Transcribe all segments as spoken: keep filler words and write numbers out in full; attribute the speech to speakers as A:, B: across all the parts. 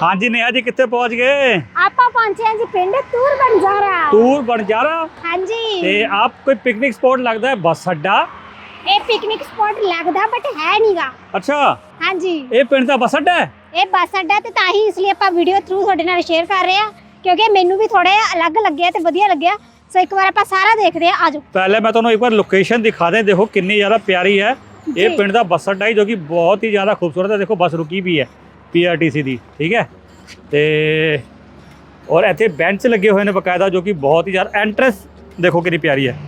A: हाँ जी नेहा जी कितने पहुंच गए?
B: ਆਪਾਂ ਪਹੁੰਚੇ ਹਾਂ ਜੀ ਪਿੰਡ ਤੂਰ ਬੰਜਾਰਾ।
A: टूर बंजारा
B: हाँ जी
A: ते आप कोई पिकनिक स्पॉट लगता है बस अड्डा?
B: ਇਹ ਪਿਕਨਿਕ ਸਪੌਟ ਲੱਗਦਾ ਬਟ ਹੈ ਨਹੀਂਗਾ।
A: अच्छा
B: हाँ जी
A: ये पिंड ਦਾ बस अड्डा है?
B: ਇਹ ਬੱਸ ਅੱਡਾ ਤੇ ਤਾਂ ਹੀ ਇਸ ਲਈ ਆਪਾਂ ਵੀਡੀਓ ਥਰੂ ਤੁਹਾਡੇ ਨਾਲ ਸ਼ੇਅਰ ਕਰ ਰਹੇ ਹਾਂ ਕਿਉਂਕਿ ਮੈਨੂੰ ਵੀ ਥੋੜਾ ਅਲੱਗ ਲੱਗਿਆ ਤੇ ਵਧੀਆ ਲੱਗਿਆ। ਸੋ ਇੱਕ ਵਾਰ ਆਪਾਂ ਸਾਰਾ ਦੇਖਦੇ ਹਾਂ। ਆਜੋ
A: पहले मैं ਤੁਹਾਨੂੰ एक बार लोकेशन दिखा दें। देखो कितनी ज़्यादा प्यारी है ये
B: जी।
A: पिंड ਦਾ ਬੱਸ ਅੱਡਾ ही जो कि बहुत ही ज़्यादा खूबसूरत है। देखो बस रुकी भी है पी आर टी सी ਦੀ ठीक है ਤੇ और ਇੱਥੇ ਬੈਂਚ ਲੱਗੇ ਹੋਏ ਨੇ ਬਕਾਇਦਾ ਜੋ ਕਿ ਬਹੁਤ ਹੀ ਜ਼ਿਆਦਾ ਐਂਟਰੈਂਸ ਦੇਖੋ ਕਿੰਨੀ ਪਿਆਰੀ ਹੈ।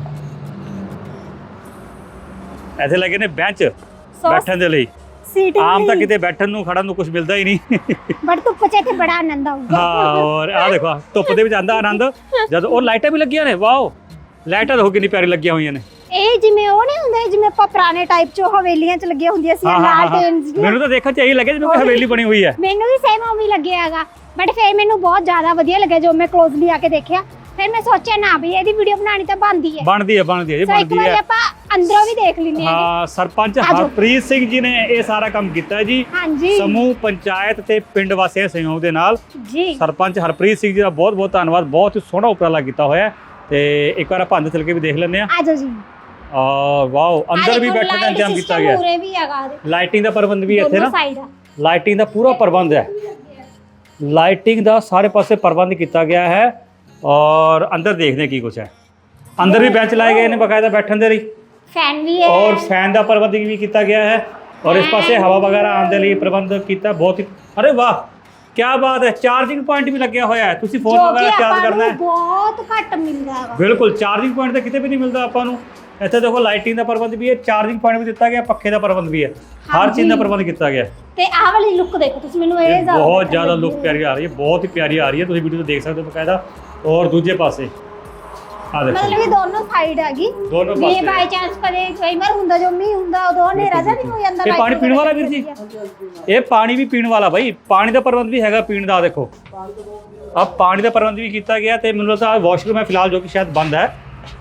A: ਇੱਥੇ ਲੱਗੇ ਨੇ ਬੈਂਚ ਬੈਠਣ ਦੇ ਲਈ।
B: ਸੀਟਿੰਗ
A: ਆਮ ਤਾਂ ਕਿਤੇ ਬੈਠਣ ਨੂੰ ਖੜਨ ਨੂੰ ਕੁਝ ਮਿਲਦਾ ਹੀ ਨਹੀਂ।
B: ਬਟ ਧੁੱਪ ਚ ਇੱਥੇ ਬੜਾ ਆਨੰਦ ਆਊਗਾ।
A: ਹਾਂ ਔਰ ਆ ਦੇਖੋ ਧੁੱਪ ਦੇ ਵਿੱਚ ਆਂਦਾ ਆਨੰਦ ਜਦ ਉਹ ਲਾਈਟਾਂ ਵੀ ਲੱਗੀਆਂ ਨੇ। ਵਾਓ ਲਾਈਟਾਂ ਦੇਖੋ ਕਿੰਨੀ ਪਿਆਰੀ ਲੱਗੀਆਂ ਹੋਈਆਂ ਨੇ।
B: ਇਹ ਜਿਵੇਂ ਉਹ ਨਹੀਂ ਹੁੰਦੇ ਜਿਵੇਂ ਆਪਾਂ ਪੁਰਾਣੇ ਟਾਈਪ ਚ ਹਵੇਲੀਆਂ ਚ ਲੱਗੀਆਂ ਹੁੰਦੀਆਂ ਸੀ ਲਾਲਟੇਨਸ ਦੀਆਂ।
A: ਮੈਨੂੰ ਤਾਂ ਦੇਖਣ ਚ ਇਹੀ ਲੱਗਿਆ ਜਿਵੇਂ ਕੋਈ ਹਵੇਲੀ ਬਣੀ ਹੋਈ ਹੈ।
B: ਮੈਨੂੰ ਵੀ ਸੇਮ ਉਵੇਂ ਲੱਗਿਆ ਹੈਗਾ ਬਟ ਫਿਰ ਮੈਨੂੰ ਬਹੁਤ ਜ਼ਿਆਦਾ ਵਧੀਆ ਲੱਗਿਆ ਜੋ ਮੈਂ ਕਲੋਜ਼ਲੀ ਆ ਕੇ ਦੇਖਿਆ। ਫਿਰ ਮੈਂ ਸੋਚਿਆ ਨਾ ਵੀ ਇਹਦੀ ਵੀਡੀਓ ਬਣਾਣੀ ਤਾਂ ਬਣਦੀ ਹੈ
A: ਬਣਦੀ ਹੈ ਬਣਦੀ ਹੈ ਜੀ
B: ਸੋ ਇੱਕ
A: ਬਣਦੀ
B: ਵਾਰੀ
A: ਹੈ।
B: ਆਪਾਂ ਅੰਦਰੋਂ ਵੀ ਦੇਖ ਲੈਂਦੇ ਹਾਂ।
A: ਹਾਂ ਸਰਪੰਚ
B: ਆਜੋ।
A: ਹਰਪ੍ਰੀਤ ਸਿੰਘ ਜੀ ਨੇ ਇਹ ਸਾਰਾ ਕੰਮ ਕੀਤਾ ਹੈ ਜੀ
B: ਹਾਂਜੀ
A: ਸਮੂਹ ਪੰਚਾਇਤ ਤੇ ਪਿੰਡ ਵਾਸੀਆਂ ਦੇ ਸਹਿਯੋਗ ਦੇ ਨਾਲ।
B: ਜੀ
A: ਸਰਪੰਚ ਹਰਪ੍ਰੀਤ ਸਿੰਘ ਜੀ ਦਾ ਬਹੁਤ ਬਹੁਤ ਧੰਨਵਾਦ। ਬਹੁਤ ਹੀ ਸੋਹਣਾ ਉਪਰਾਲਾ ਕੀਤਾ ਹੋਇਆ ਹੈ ਤੇ ਇੱਕ ਵਾਰ ਆਪਾਂ ਅੰਦਰ ਚਲ ਕੇ ਵੀ ਦੇਖ ਲੈਂਦੇ ਆ।
B: ਆਜੋ ਜੀ।
A: ਆ ਵਾਓ ਅੰਦਰ ਵੀ ਬੈਠਣ ਦਾ ਇੰਤਜ਼ਾਮ ਕੀਤਾ ਗਿਆ।
B: ਪੂਰੇ ਵੀ ਹੈਗਾ
A: ਲਾਈਟਿੰਗ ਦਾ ਪ੍ਰਬੰਧ ਵੀ ਇੱਥੇ ਨਾ
B: ਸਾਈਡ
A: ਲਾਈਟਿੰਗ ਦਾ ਪੂਰਾ ਪ੍ਰਬੰਧ ਹੈ। ਲਾਈਟਿੰਗ ਦਾ ਸਾਰੇ ਪਾਸੇ ਪ੍ਰਬੰਧ ਕੀਤਾ ਗਿਆ ਹੈ ਔਰ ਅੰਦਰ ਦੇਖਦੇ ਕੀ ਕੁਛ ਹੈ। ਅੰਦਰ ਵੀ ਬੈਂਚ ਲਾਏ ਗਏ ਨੇ ਬਕਾਇਦਾ ਬੈਠਣ ਦੇ ਲਈ
B: ਫੈਨ ਵੀ ਹੈ
A: ਔਰ ਫੈਨ ਦਾ ਪ੍ਰਬੰਧ ਵੀ ਕੀਤਾ ਗਿਆ ਹੈ ਔਰ ਇਸ ਪਾਸੇ ਹਵਾ ਵਗੈਰਾ ਆਉਣ ਦੇ ਲਈ ਪ੍ਰਬੰਧ ਕੀਤਾ। ਬਹੁਤ ਹੀ ਅਰੇ ਵਾਹ ਕੀ ਬਾਤ ਹੈ। ਚਾਰਜਿੰਗ ਪੁਆਇੰਟ ਵੀ ਲੱਗਿਆ ਹੋਇਆ ਹੈ। ਤੁਸੀਂ ਫੋਨ ਵਗੈਰਾ ਚਾਰਜ ਕਰਨਾ ਹੈ
B: ਬਹੁਤ ਘੱਟ ਮਿਲਦਾ ਹੈ।
A: ਬਿਲਕੁਲ ਚਾਰਜਿੰਗ ਪੁਆਇੰਟ ਤਾਂ ਕਿਤੇ ਵੀ ਨਹੀਂ ਮਿਲਦਾ ਆਪਾਂ ਨੂੰ। ਇੱਥੇ ਦੇਖੋ ਲਾਈਟਿੰਗ ਦਾ ਪ੍ਰਬੰਧ ਵੀ ਹੈ ਚਾਰਜਿੰਗ ਪੁਆਇੰਟ ਵੀ ਦਿੱਤਾ ਗਿਆ ਪੱਖੇ ਦਾ ਪ੍ਰਬੰਧ ਵੀ ਹੈ ਹਰ ਚੀਜ਼ ਦਾ ਪ੍ਰਬੰਧ ਕੀਤਾ ਗਿਆ।
B: ਤੇ ਆਹ ਵਾਲੀ ਲੁੱਕ ਦੇਖੋ ਤੁਸੀਂ ਮੈਨੂੰ ਇਹ ਜ਼ਿਆਦਾ
A: ਬਹੁਤ ਜ਼ਿਆਦਾ ਲੁੱਕ ਪਿਆਰੀ ਆ ਰਹੀ ਹੈ ਬਹੁਤ ਹੀ ਪਿਆਰੀ ਆ ਰਹੀ ਹੈ। ਤੁਸੀਂ ਵੀਡੀਓ ਤੋਂ ਦੇਖ ਸਕਦੇ ਹੋ ਬਕਾਇਦਾ। ਔਰ ਦੂਜੇ ਪਾਸੇ ਆ ਦੇਖੋ
B: ਮਤਲਬ ਇਹ ਦੋਨੋਂ ਸਾਈਡ ਹੈਗੀ
A: ਦੋਨੋਂ
B: ਜੇ
A: ਪਾਸੇ
B: ਬਾਈ ਚਾਂਸ ਕਦੇ ਕਈ ਵਾਰ ਹੁੰਦਾ ਜੋ ਮੀਂਹ ਹੁੰਦਾ ਉਦੋਂ ਹਨੇਰਾ ਜਿਹਾ ਨਹੀਂ ਹੋ ਜਾਂਦਾ।
A: ਇਹ ਪਾਣੀ ਪੀਣ ਵਾਲਾ ਵੀਰ ਜੀ ਇਹ ਪਾਣੀ ਵੀ ਪੀਣ ਵਾਲਾ ਬਾਈ ਪਾਣੀ ਦਾ ਪ੍ਰਬੰਧ ਵੀ ਹੈਗਾ ਪੀਣ ਦਾ। ਦੇਖੋ ਆ ਪਾਣੀ ਦਾ ਪ੍ਰਬੰਧ ਵੀ ਕੀਤਾ ਗਿਆ ਤੇ ਮੈਨੂੰ ਲੱਗਦਾ ਵਾਸ਼ਰੂਮ ਹੈ ਫਿਲਹਾਲ ਜੋ ਕਿ ਸ਼ਾਇਦ ਬੰਦ ਹੈ।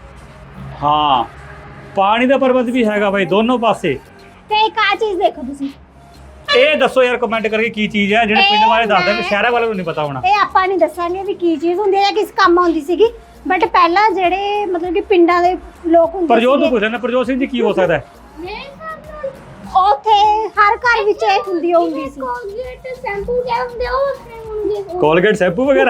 A: ਹਾਂ ਪਾਣੀ ਦਾ ਪ੍ਰਬੰਧ ਵੀ ਹੈਗਾ ਬਾਈ ਦੋਨੋਂ ਪਾਸੇ।
B: ਤੇ ਇੱਕ ਆ ਚੀਜ਼ ਦੇਖੋ ਤੁਸੀਂ
A: ਇਹ ਦੱਸੋ ਯਾਰ ਕਮੈਂਟ ਕਰਕੇ ਕੀ ਚੀਜ਼ ਹੈ ਜਿਹੜੇ ਪਿੰਡ ਵਾਲੇ ਦੱਸਦੇ ਨੇ ਸ਼ਹਿਰਾਂ ਵਾਲਿਆਂ ਨੂੰ ਨਹੀਂ ਪਤਾ ਹੋਣਾ।
B: ਇਹ ਆਪਾਂ ਨਹੀਂ ਦੱਸਾਂਗੇ ਵੀ ਕੀ ਚੀਜ਼ ਹੁੰਦੀ ਹੈ ਜਾਂ ਕਿਸ ਕੰਮ ਆਉਂਦੀ ਸੀਗੀ ਬਟ ਪਹਿਲਾਂ ਜਿਹੜੇ ਮਤਲਬ ਕਿ ਪਿੰਡਾਂ ਦੇ ਲੋਕ ਹੁੰਦੇ
A: ਪ੍ਰਜੋਤ ਨੂੰ ਪੁੱਛਣਾ ਪ੍ਰਜੋਤ ਸਿੰਘ ਜੀ ਕੀ ਹੋ ਸਕਦਾ ਹੈ?
B: ਉੱਥੇ ਹਰ ਘਰ ਵਿੱਚ ਇਹ ਹੁੰਦੀ ਹੁੰਦੀ ਸੀ
C: ਕੋਲਗੇਟ ਸ਼ੈਂਪੂ ਕਿਆ ਹੁੰਦੇ ਉਹ ਹੁੰਦੇ
A: ਕੋਲਗੇਟ ਸ਼ੈਂਪੂ ਵਗੈਰਾ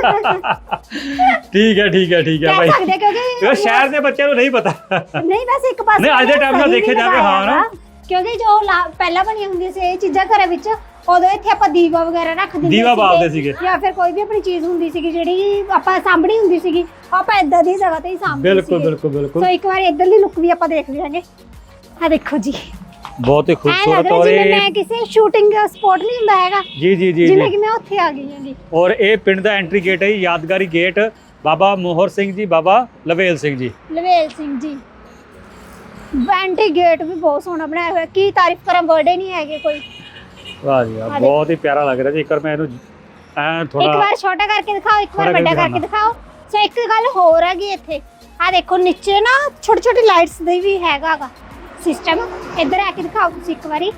A: ਠੀਕ ਹੈ ਠੀਕ ਹੈ ਠੀਕ ਹੈ
B: ਕਹਿ
A: ਬਾਈ।
B: ਸਕਦੇ ਕਿਉਂਕਿ
A: ਇਹ ਸ਼ਹਿਰ ਦੇ ਬੱਚਿਆਂ ਨੂੰ ਨਹੀਂ ਪਤਾ।
B: ਨਹੀਂ ਵੈਸੇ ਇੱਕ ਪਾਸੇ
A: ਨਹੀਂ, ਅੱਜ ਦੇ time ਨਾਲ ਦੇਖਿਆ ਜਾਵੇ, ਹਾਂ ਨਾ।
B: ਕਿਉਂਕਿ ਜੋ ਲਾ- ਪਹਿਲਾਂ ਬਣੀਆਂ ਹੁੰਦੀਆਂ ਸੀ ਇਹ ਚੀਜ਼ਾਂ ਘਰਾਂ ਵਿੱਚ ਉਦੋਂ ਇੱਥੇ ਆਪਾਂ ਦੀਵਾ ਵਗੈਰਾ ਰੱਖ ਦਿੰਦੇ
A: ਦੀਵਾ ਬਾਲਦੇ ਸੀਗੇ।
B: ਜਾਂ ਫਿਰ ਕੋਈ ਵੀ ਆਪਣੀ ਚੀਜ਼ ਹੁੰਦੀ ਸੀਗੀ ਜਿਹੜੀ ਆਪਾਂ ਸਾਂਭਣੀ ਹੁੰਦੀ ਸੀਗੀ ਆਪਾਂ ਇਦਾਂ ਦੀ ਜਗ੍ਹਾ ਤੇ ਹੀ ਸਾਂਭਦੇ
A: ਬਿਲਕੁਲ
B: ਸੀਗੇ।
A: ਬਿਲਕੁਲ ਬਿਲਕੁਲ
B: ਸੋ ਇੱਕ ਵਾਰ ਇੱਧਰਲੀ ਲੁੱਕ ਵੀ ਆਪਾਂ ਦੇਖ ਲਿਆਂਗੇ। ਆ ਦੇਖੋ ਜੀ
A: ਬਹੁਤ ਹੀ
B: ਐ ਲੱਗ
A: ਖੂਬਸੂਰਤ
B: ਰਿਹਾ
A: ਔਰ
B: ਜਿਵੇਂ
A: ਇਹ
B: ਮੈਂ ਕਿਸੇ ਸ਼ੂਟਿੰਗ ਸਪੌਟ ਨਹੀਂ ਹੁੰਦਾ ਹੈਗਾ
A: ਜੀ ਜੀ ਜੀ
B: ਜਿਵੇਂ
A: ਜੀ
B: ਕਿ ਮੈਂ ਉੱਥੇ ਆ ਗਈ ਹਾਂਗੀ।
A: ਔਰ ਇਹ ਪਿੰਡ ਦਾ ਐਂਟਰੀ ਗੇਟ ਹੈ ਜੀ, ਯਾਦਗਾਰੀ ਗੇਟ ਬਾਬਾ ਮੋਹਰ ਸਿੰਘ ਜੀ ਬਾਬਾ ਲਵੇਲ ਸਿੰਘ ਜੀ।
B: ਲਵੇਲ ਸਿੰਘ ਜੀ ਐਂਟੀ ਗੇਟ ਵੀ ਬਹੁਤ ਸੋਹਣਾ ਬਣਾਇਆ ਹੋਇਆ ਕੀ ਤਾਰੀਫ ਕਰਾਂ ਵਰਡੇ ਨਹੀਂ ਹੈਗੇ ਕੋਈ।
A: ਵਾਹ ਜੀ ਵਾਹ ਬਹੁਤ ਹੀ ਪਿਆਰਾ ਲੱਗ ਰਿਹਾ ਜੀ। ਇੱਕ ਵਾਰ ਮੈਂ ਇਹਨੂੰ ਐ
B: ਇੱਕ
A: ਥੋੜਾ
B: ਵਾਰ ਛੋਟਾ ਕਰਕੇ ਦਿਖਾਓ ਇੱਕ ਵਾਰ
A: ਥੋੜ੍ਹਾ
B: ਵੱਡਾ
A: ਕਰਕੇ
B: ਕਰਕੇ ਦਿਖਾਓ। ਸੋ ਇੱਕ ਗੱਲ ਹੋਰ ਹੈਗੀ ਇੱਥੇ ਆ ਦੇਖੋ ਨੀਚੇ ਨਾ ਛੋਟੀ ਛੋਟੀ ਲਾਈਟਸ ਦੇ ਵੀ ਹੈਗਾਗਾ ਸਿਸਟਮ। ਇੱਧਰ ਆ ਕੇ ਦਿਖਾਓ ਤੁਸੀਂ ਇੱਕ ਵਾਰੀ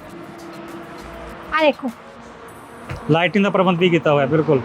B: ਆ ਦੇਖੋ
A: ਲਾਈਟਿੰਗ ਦਾ ਪ੍ਰਬੰਧ ਵੀ ਕੀਤਾ ਹੋਇਆ ਬਿਲਕੁਲ।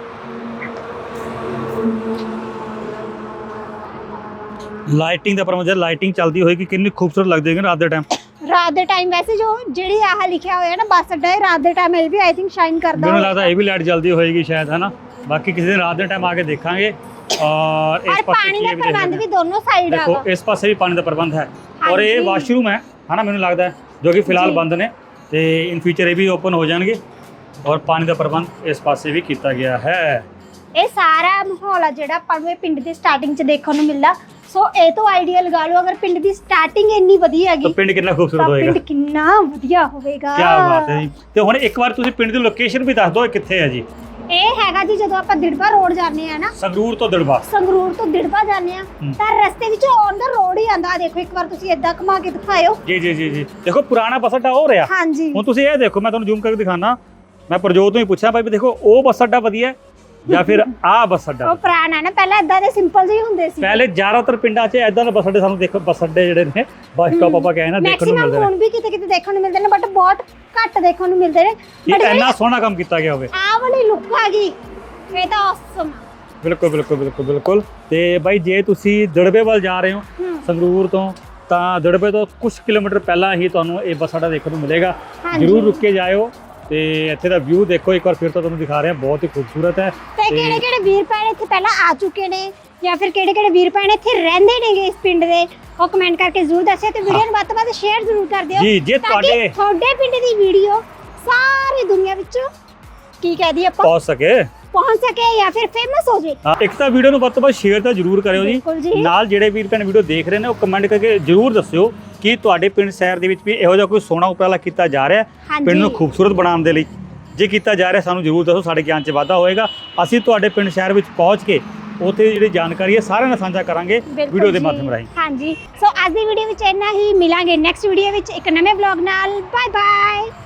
A: ਲਾਈਟਿੰਗ ਦਾ ਪ੍ਰਬੰਧ ਲਾਈਟਿੰਗ ਚੱਲਦੀ ਹੋਏਗੀ ਕਿੰਨੀ ਖੂਬਸੂਰਤ ਲੱਗਦੀ ਹੋਏਗੀ ਰਾਤ ਦੇ ਟਾਈਮ।
B: ਰਾਤ ਦੇ ਟਾਈਮ ਵੈਸੇ ਜੋ ਜਿਹੜੀ ਆਹ ਲਿਖਿਆ ਹੋਇਆ ਨਾ ਬੱਸ ਅੱਡਾ ਹੈ ਰਾਤ ਦੇ ਟਾਈਮ ਇਹ ਵੀ ਆਈ ਥਿੰਕ ਸ਼ਾਈਨ ਕਰਦਾ
A: ਮੈਨੂੰ ਲੱਗਦਾ ਇਹ ਵੀ ਲਾਈਟ ਜਲਦੀ ਹੋਏਗੀ ਸ਼ਾਇਦ ਹੈ ਨਾ। ਬਾਕੀ ਕਿਸੇ ਦਿਨ ਰਾਤ ਦੇ ਟਾਈਮ ਆ ਕੇ ਦੇਖਾਂਗੇ। ਔਰ ਇਸ
B: ਔਰ
A: ਪਾਸੇ
B: ਪਾਣੀ
A: ਕੀ
B: ਦਾ
A: ਹੈ ਵੀ
B: ਪ੍ਰਬੰਧ
A: ਦੇਖਦੇ
B: ਵੀ ਦੋਨੋਂ ਸਾਈਡ
A: ਦੇਖੋ
B: ਹੈਗਾ।
A: ਇਸ ਪਾਸੇ ਵੀ ਪਾਣੀ ਦਾ ਪ੍ਰਬੰਧ ਹੈ ਔਰ ਇਹ
B: ਹਾਂਜੀ।
A: ਵਾਸ਼ਰੂਮ ਹੈ ਹਨਾ ਮੈਨੂੰ ਲੱਗਦਾ ਹੈ ਜੋ ਕਿ ਫਿਲਹਾਲ
B: ਜੀ।
A: ਬੰਦ ਨੇ ਤੇ ਇਨ ਫਿਊਚਰ ਇਹ ਵੀ ਓਪਨ ਹੋ ਜਾਣਗੇ ਔਰ ਪਾਣੀ ਦਾ ਪ੍ਰਬੰਧ ਇਸ ਪਾਸੇ ਵੀ ਕੀਤਾ ਗਿਆ ਹੈ।
B: ਇਹ ਸਾਰਾ ਮਾਹੌਲ ਆ ਜਿਹੜਾ ਆਪਾਂ ਨੂੰ ਇਹ ਪਿੰਡ ਦੀ ਸਟਾਰਟਿੰਗ 'ਚ ਦੇਖਣ ਨੂੰ ਮਿਲਦਾ। ਸੋ ਇਹ ਤੋਂ ਆਈਡੀਆ ਲਗਾ ਲਓ ਅਗਰ ਪਿੰਡ ਦੀ ਸਟਾਰਟਿੰਗ ਇੰਨੀ ਵਧੀਆ ਹੈਗੀ
A: ਤਾਂ ਪਿੰਡ ਕਿੰਨਾ ਖੂਬਸੂਰਤ
B: ਤਾਂ
A: ਹੋਏਗਾ।
B: ਪਿੰਡ ਕਿੰਨਾ ਵਧੀਆ ਹੋਵੇਗਾ।
A: ਕੀ ਬਾਤ ਹੈ ਜੀ। ਤੇ ਹੁਣ ਇੱਕ ਵਾਰ ਤੁਸੀਂ ਪਿੰਡ ਦੀ ਲੋਕੇਸ਼ਨ ਵੀ ਦੱਸ ਦਿਓ ਇਹ ਕਿੱਥੇ ਹੈ ਜੀ।
B: ਇਹ ਹੈਗਾ ਜੀ ਜਦੋਂ ਆਪਾਂ ਦਿੜਬਾ ਰੋਡ ਜਾਂਦੇ ਆ ਨਾ
A: ਸੰਗਰੂਰ ਤੋਂ ਦਿੜਬਾ
B: ਸੰਗਰੂਰ ਤੋਂ ਦਿੜਬਾ ਜਾਂਦੇ ਆ ਤਾਂ ਰਸਤੇ ਵਿੱਚ ਔਨ ਦਾ ਰੋਡ ਹੀ ਆਂਦਾ। ਦੇਖੋ ਇੱਕ ਵਾਰ ਤੁਸੀਂ ਏਦਾਂ ਘੁਮਾ ਕੇ ਦਿਖਾਇਓ।
A: ਜੀ ਜੀ ਜੀ ਜੀ ਦੇਖੋ ਪੁਰਾਣਾ ਬੱਸ ਅੱਡਾ ਹੋ ਰਿਹਾ।
B: ਹਾਂਜੀ
A: ਹੁਣ ਤੁਸੀਂ ਇਹ ਦੇਖੋ ਮੈਂ ਤੁਹਾਨੂੰ ਜ਼ੂਮ ਕਰਕੇ ਦਿਖਾਣਾ। ਮੈਂ ਪ੍ਰਜੋਤ ਨੂੰ ਹੀ ਪੁੱਛਿਆ ਭਾਈ ਵੀ ਦੇਖੋ ਉਹ ਬੱਸ ਅੱਡਾ ਵਧੀਆ ਜਾਂ ਫਿਰ ਆਹ ਬੱਸ ਅੱਡਾ
B: ਉਹ ਪੁਰਾਣਾ ਨਾ, ਪਹਿਲਾਂ ਇਦਾਂ ਦੇ ਸਿੰਪਲ ਜਿਹੇ ਹੁੰਦੇ ਸੀ।
A: ਪਹਿਲੇ ਜ਼ਿਆਦਾਤਰ ਪਿੰਡਾਂ 'ਚ ਇਦਾਂ ਦੇ ਬੱਸ ਅੱਡੇ ਸਾਨੂੰ ਦੇਖੋ, ਬੱਸ ਅੱਡੇ ਜਿਹੜੇ ਨੇ ਬੱਸ ਸਟਾਪ ਆਪਾਂ ਕਹੇ ਨਾ ਦੇਖਣ ਨੂੰ
B: ਮੈਕਸਿਮਮ
A: ਮਿਲਦੇ ਨੇ।
B: ਹੁਣ ਵੀ ਕਿਤੇ ਕਿਤੇ ਦੇਖਣ ਨੂੰ ਮਿਲਦੇ ਨੇ, ਬਟ ਬਹੁਤ ਘੱਟ ਦੇਖਣ ਨੂੰ ਮਿਲਦੇ ਨੇ।
A: ਇਹ
B: ਬਟ
A: ਇੰਨਾ ਸੋਹਣਾ ਕੰਮ ਕੀਤਾ ਗਿਆ ਹੋਵੇ।
B: ਆਹ ਵਾਲੀ ਲੁੱਕ ਆ ਗਈ, ਇਹ ਤਾਂ ਔਸਮ ਆ।
A: ਬਿਲਕੁਲ ਬਿਲਕੁਲ ਬਿਲਕੁਲ ਬਿਲਕੁਲ। ਤੇ ਬਾਈ ਜੇ ਤੁਸੀਂ ਦੜਬੇ ਵੱਲ ਜਾ ਰਹੇ ਹੋ
B: ਹੂੰ।
A: ਸੰਗਰੂਰ ਤੋਂ, ਤਾਂ ਦੜਬੇ ਤੋਂ ਕੁਝ ਕਿਲੋਮੀਟਰ ਪਹਿਲਾਂ ਹੀ ਤੁਹਾਨੂੰ ਇਹ ਬੱਸ ਅੱਡਾ ਦੇਖਣ ਨੂੰ ਮਿਲੇਗਾ।
B: ਹਾਂਜੀ।
A: ਜ਼ਰੂਰ ਰੁਕ ਕੇ ਜਾਇਓ ਤੇ ਇੱਥੇ ਦਾ ਵਿਊ ਦੇਖੋ ਇੱਕ ਵਾਰ ਫਿਰ ਤੋਂ ਤੁਹਾਨੂੰ ਦਿਖਾ ਰਹੇ ਹਾਂ, ਬਹੁਤ ਹੀ ਖੂਬਸੂਰਤ ਹੈ।
B: ਤੇ ਕਿਹੜੇ ਕਿਹੜੇ ਵੀਰ ਭੈਣ ਇੱਥੇ ਪਹਿਲਾਂ ਆ ਚੁੱਕੇ ਨੇ, ਜਾਂ ਫਿਰ ਕਿਹੜੇ ਕਿਹੜੇ ਵੀਰ ਭੈਣ ਇੱਥੇ ਰਹਿੰਦੇ ਨੇਗੇ ਇਸ ਪਿੰਡ ਦੇ, ਉਹ ਕਮੈਂਟ ਕਰਕੇ ਜ਼ਰੂਰ ਦੱਸਿਓ ਤੇ ਵੀਡੀਓ ਨੂੰ ਵੱਧ ਤੋਂ ਵੱਧ ਸ਼ੇਅਰ ਜ਼ਰੂਰ ਕਰ ਦਿਓ।
A: ਜੀ, ਜੇ
B: ਤਾਂ ਕਿ
A: ਤੁਹਾਡੇ-
B: ਤੁਹਾਡੇ ਪਿੰਡ ਦੀ ਵੀਡੀਓ ਸਾਰੀ ਦੁਨੀਆ ਵਿੱਚ ਕੀ ਕਹਿ ਦਈਏ ਆਪਾਂ,
A: ਪਹੁੰਚ ਸਕੇ।
B: ਪਹੁੰਚ ਸਕੇ ਜਾਂ ਫਿਰ ਫੇਮਸ ਹੋ ਜੇ।
A: ਹਾਂ, ਇੱਕ ਤਾਂ ਵੀਡੀਓ ਨੂੰ ਵੱਧ ਤੋਂ ਵੱਧ ਸ਼ੇਅਰ ਤਾਂ ਜ਼ਰੂਰ ਕਰਿਓ
B: ਬਿਲਕੁਲ
A: ਜੀ।
B: ਜੀ।
A: ਨਾਲ ਜਿਹੜੇ ਵੀਰ ਭੈਣ ਵੀਡੀਓ ਦੇਖ ਰਹੇ ਨੇ ਉਹ ਕਮੈਂਟ ਕਰਕੇ ਜ਼ਰੂਰ ਦੱਸਿਓ ਕਿ ਤੁਹਾਡੇ ਪਿੰਡ ਸ਼ਹਿਰ ਦੇ ਵਿੱਚ ਵੀ ਇਹੋ ਜਿਹਾ ਕੋਈ ਸੋਹਣਾ ਉਪਰਾਲਾ ਕੀਤਾ ਜਾ ਰਿਹਾ ਹੈ
B: ਹਾਂਜੀ।
A: ਪਿੰਡ ਨੂੰ ਖੂਬਸੂਰਤ ਬਣਾਉਣ ਦੇ ਲਈ। ਜੇ ਕੀਤਾ ਜਾ ਰਿਹਾ ਸਾਨੂੰ ਜ਼ਰੂਰ ਦੱਸੋ, ਸਾਡੇ ਗਿਆਨ 'ਚ ਵਾਧਾ ਹੋਏਗਾ। ਅਸੀਂ ਤੁਹਾਡੇ ਪਿੰਡ ਸ਼ਹਿਰ ਵਿੱਚ ਪਹੁੰਚ ਕੇ ਉੱਥੇ ਜਿਹੜੀ ਜਾਣਕਾਰੀ ਹੈ ਸਾਰਿਆਂ ਨਾਲ ਸਾਂਝਾ ਕਰਾਂਗੇ
B: ਬਿਲਕੁਲ
A: ਵੀਡੀਓ ਦੇ
B: ਜੀ।
A: ਮਾਧਿਅਮ ਰਾਹੀਂ।
B: ਹਾਂਜੀ, ਸੋ ਅੱਜ ਦੀ ਵੀਡੀਓ ਵਿੱਚ ਇੰਨਾ ਹੀ। ਮਿਲਾਂਗੇ ਨੈਕਸਟ ਵੀਡੀਓ ਵਿੱਚ ਇੱਕ ਨਵੇਂ ਵਲੌਗ ਨਾਲ। Bye bye.